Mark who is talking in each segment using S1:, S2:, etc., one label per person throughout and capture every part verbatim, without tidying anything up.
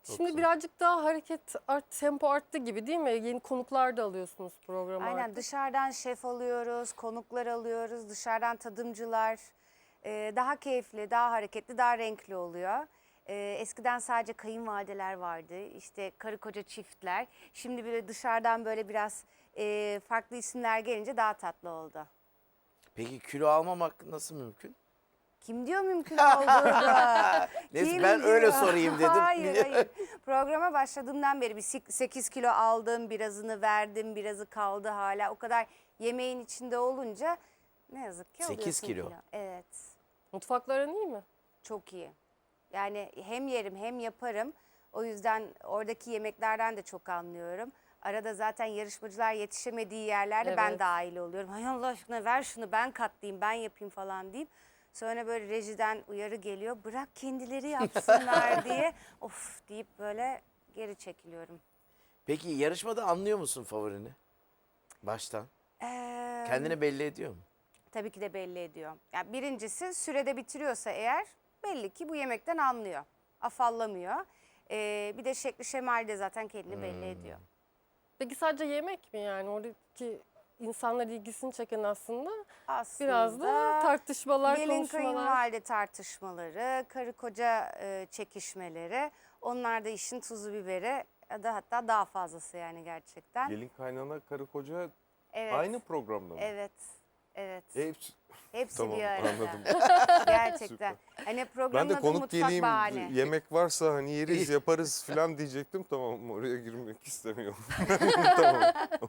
S1: Şimdi
S2: güzel.
S1: birazcık daha hareket art, tempo arttı gibi değil mi? Yeni konuklar da alıyorsunuz programa
S3: Aynen,
S1: artık.
S3: dışarıdan şef alıyoruz, konuklar alıyoruz, dışarıdan tadımcılar. Ee, daha keyifli, daha hareketli, daha renkli oluyor. Ee, eskiden sadece kayınvalideler vardı, işte karı koca çiftler. Şimdi böyle dışarıdan böyle biraz e, farklı isimler gelince daha tatlı oldu.
S2: Peki kilo almamak nasıl mümkün?
S3: Kim diyor mümkün olduğunu?
S2: Neyse,
S3: Kim
S2: ben öyle
S3: diyor?
S2: sorayım dedim.
S3: Hayır hayır. Programa başladığımdan beri bir sekiz kilo aldım, birazını verdim, birazı kaldı hala. O kadar yemeğin içinde olunca ne yazık ki
S2: sekiz
S3: alıyorsun
S2: kilo.
S3: Evet,
S1: Mutfakların iyi mi?
S3: çok iyi. Yani hem yerim hem yaparım. O yüzden oradaki yemeklerden de çok anlıyorum. Arada zaten yarışmacılar yetişemediği yerlerde ben
S1: Evet.
S3: dahil oluyorum. Hay Allah aşkına ver şunu, ben katlayayım, ben yapayım falan deyip. Sonra böyle rejiden uyarı geliyor. Bırak kendileri yapsınlar diye. Of deyip böyle geri çekiliyorum.
S2: Peki yarışmada anlıyor musun favorini? Baştan.
S3: Ee,
S2: Kendini belli ediyor mu?
S3: Tabii ki de belli ediyor. Yani birincisi sürede bitiriyorsa eğer belli ki bu yemekten anlıyor. Afallamıyor. Ee, bir de şekli şemali de zaten kendini belli ediyor.
S1: Peki sadece yemek mi yani? Oradaki insanlar ilgisini çeken aslında
S3: Aslında
S1: biraz da tartışmalar,
S3: gelin
S1: konuşmalar.
S3: kayınvalide tartışmaları, karı koca e, çekişmeleri, onlar da işin tuzu biberi ya da hatta daha fazlası yani gerçekten.
S4: Gelin kaynana karı koca
S3: Evet.
S4: aynı programda mı?
S3: Evet. Evet.
S4: Hepsi-
S3: Hepsi
S4: tamam
S3: bir arada.
S4: anladım.
S3: Gerçekten. Hani programın
S4: Ben de
S3: adı
S4: konuk
S3: Mutfak
S4: geleyim,
S3: Bahane.
S4: yemek varsa hani yeriz yaparız falan diyecektim. Tamam, oraya girmek istemiyorum. Tamam.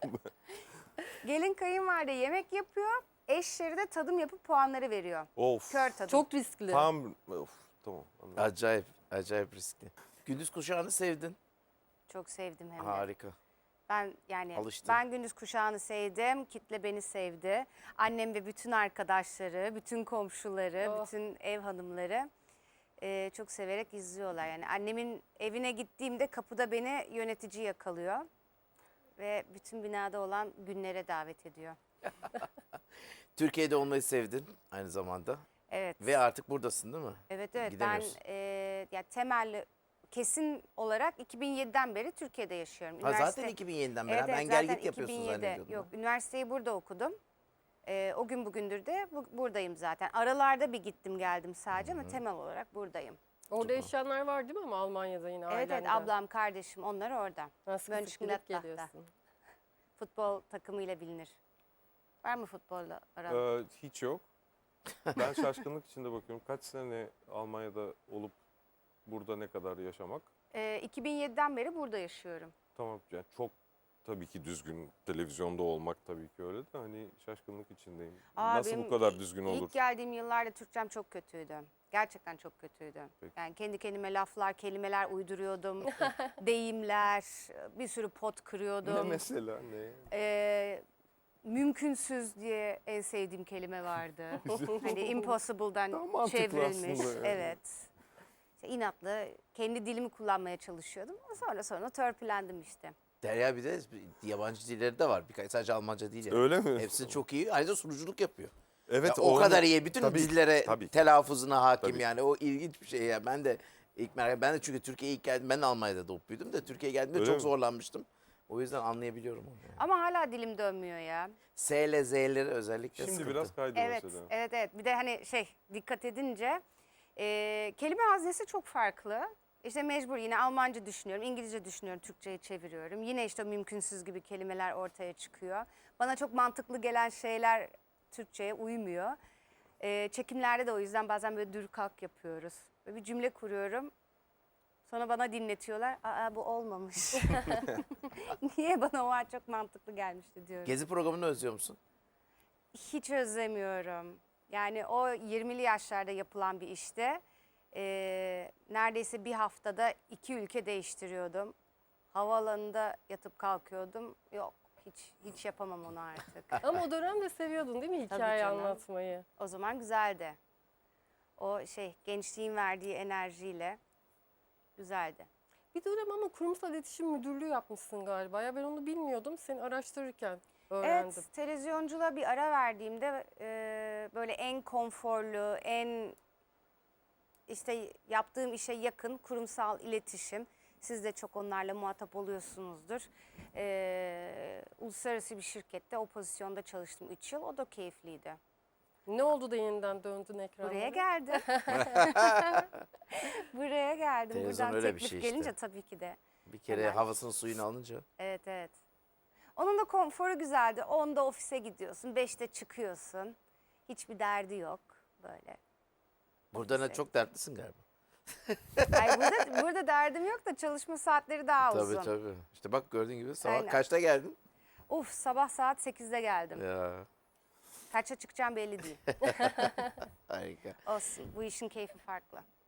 S3: Gelin kayınvalide yemek yapıyor. Eşleri de tadım yapıp puanları veriyor.
S4: Of.
S3: Kör tadım.
S1: Çok riskli.
S4: Tam of tamam anladım.
S2: Acayip, acayip riskli. Gündüz kuşağını sevdin.
S3: Çok sevdim hem de.
S2: Harika.
S3: Ben yani
S2: Alıştın.
S3: ben gündüz kuşağını sevdim. Kitle beni sevdi. Annem ve bütün arkadaşları, bütün komşuları,
S1: Oh.
S3: bütün ev hanımları e, çok severek izliyorlar. Yani annemin evine gittiğimde kapıda beni yönetici yakalıyor. Ve bütün binada olan günlere davet ediyor.
S2: Türkiye'de olmayı sevdin aynı zamanda.
S3: Evet.
S2: Ve artık buradasın değil mi?
S3: Evet evet ben
S2: Gidemiyorsun.
S3: e, ya temelli kesin olarak iki bin yediden beri Türkiye'de yaşıyorum.
S2: Ha, zaten iki bin yediden beri.
S3: Evet,
S2: ben
S3: evet,
S2: gel
S3: zaten
S2: git yapıyorsun
S3: iki bin yedi.
S2: zannediyordum.
S3: Yok, üniversiteyi burada okudum. E, o gün bugündür de bu, buradayım zaten. Aralarda bir gittim geldim sadece ama temel olarak buradayım.
S1: Orada yaşayanlar var değil mi ama Almanya'da yine
S3: Evet evet
S1: ailende?
S3: ablam kardeşim onlar orada.
S1: Ha, sıkı sıkı gidip
S3: Mönchengladbach'ta.
S1: geliyorsun.
S3: Futbol takımıyla bilinir. Var mı futbolla aran?
S4: Ee, hiç yok. Ben şaşkınlık içinde bakıyorum. Kaç sene Almanya'da olup burada ne kadar yaşamak?
S3: E, iki bin yediden beri burada yaşıyorum.
S4: Tamam yani çok tabii ki düzgün televizyonda olmak tabii ki öyle de hani şaşkınlık içindeyim.
S3: Aa,
S4: Nasıl
S3: benim
S4: bu kadar
S3: ilk-
S4: düzgün olur?
S3: İlk geldiğim yıllarda Türkçem çok kötüydü. Gerçekten çok kötüydü.
S4: Peki.
S3: Yani kendi kendime laflar, kelimeler uyduruyordum. Deyimler, bir sürü pot
S4: Ne
S3: kırıyordum.
S4: mesela ne?
S3: Ee, mümkünsüz diye en sevdiğim kelime vardı. Hani
S4: Daha
S3: impossible'dan
S4: mantıklı
S3: çevrilmiş.
S4: aslında yani.
S3: Evet. İşte inatlı kendi dilimi kullanmaya çalışıyordum. Sonra sonra törpülendim işte.
S2: Derya bir de yabancı dilleri de var. Birkaç sadece Almanca değil. Yani.
S4: Öyle mi?
S2: Hepsi çok iyi. Ayrıca sunuculuk yapıyor.
S4: Evet
S2: Ya o
S4: onu-
S2: kadar iyi. Bütün
S4: tabii,
S2: dillere
S4: tabii.
S2: telaffuzuna hakim
S4: Tabii.
S2: yani. O ilginç bir şey ya. Ben de ilk merak ben de çünkü Türkiye'ye ilk geldim. Ben de Almanya'da doğup büyüdüm de Türkiye'ye geldiğimde
S4: Öyle
S2: çok
S4: mi?
S2: zorlanmıştım. O yüzden anlayabiliyorum onu. Yani.
S3: Ama hala dilim dönmüyor ya.
S2: S ile Z'leri özellikle
S4: Şimdi
S2: sıkıntı.
S4: biraz kaydı
S3: Evet,
S4: mesela.
S3: evet, evet. Bir de hani şey dikkat edince e, kelime haznesi çok farklı. İşte mecbur yine Almanca düşünüyorum, İngilizce düşünüyorum, Türkçe'ye çeviriyorum. Yine işte o mümkünsüz gibi kelimeler ortaya çıkıyor. Bana çok mantıklı gelen şeyler Türkçe'ye uymuyor. E, çekimlerde de o yüzden bazen böyle dur kalk yapıyoruz. Böyle bir cümle kuruyorum. Sonra bana dinletiyorlar. Aa bu olmamış. Niye bana o an çok mantıklı gelmişti diyorum.
S2: Gezi programını özlüyor musun?
S3: Hiç özlemiyorum. Yani o yirmili yaşlarda yapılan bir işte e, neredeyse bir haftada iki ülke değiştiriyordum. Havaalanında yatıp kalkıyordum. Yok hiç hiç yapamam onu artık.
S1: Ama o dönemde seviyordun değil mi
S3: Tabii
S1: hikaye
S3: canım.
S1: anlatmayı?
S3: O zaman güzeldi. O şey gençliğin verdiği enerjiyle güzeldi.
S1: Bir dönem ama kurumsal iletişim müdürlüğü yapmışsın galiba. Ya ben onu bilmiyordum. Seni araştırırken öğrendim.
S3: Evet, televizyonculuğa bir ara verdiğimde e, böyle en konforlu, en işte yaptığım işe yakın kurumsal iletişim, Siz de çok onlarla muhatap oluyorsunuzdur. Ee, uluslararası bir şirkette o pozisyonda çalıştım üç yıl. O da keyifliydi.
S1: Ne oldu da yeniden döndün ekranlara?
S3: Buraya geldim. Buraya geldim.
S2: Televizyon
S3: Buradan
S2: öyle bir
S3: teklif
S2: şey işte.
S3: gelince tabii ki de.
S2: Bir kere
S3: Hemen.
S2: havasını suyunu alınca.
S3: Evet evet. Onun da konforu güzeldi. onda ofise gidiyorsun, beşte çıkıyorsun. Hiçbir derdi yok böyle.
S2: Burada ne
S3: Ofise.
S2: çok dertlisin galiba.
S3: Ay burada, burada derdim yok da çalışma saatleri daha uzun.
S2: Tabii tabii. İşte bak gördüğün gibi sabah
S3: Aynen.
S2: kaçta geldin?
S3: Uf, sabah saat sekizde geldim.
S2: Ya
S3: Kaça çıkacağım belli değil.
S2: harika.
S3: Olsun, bu işin keyfi farklı.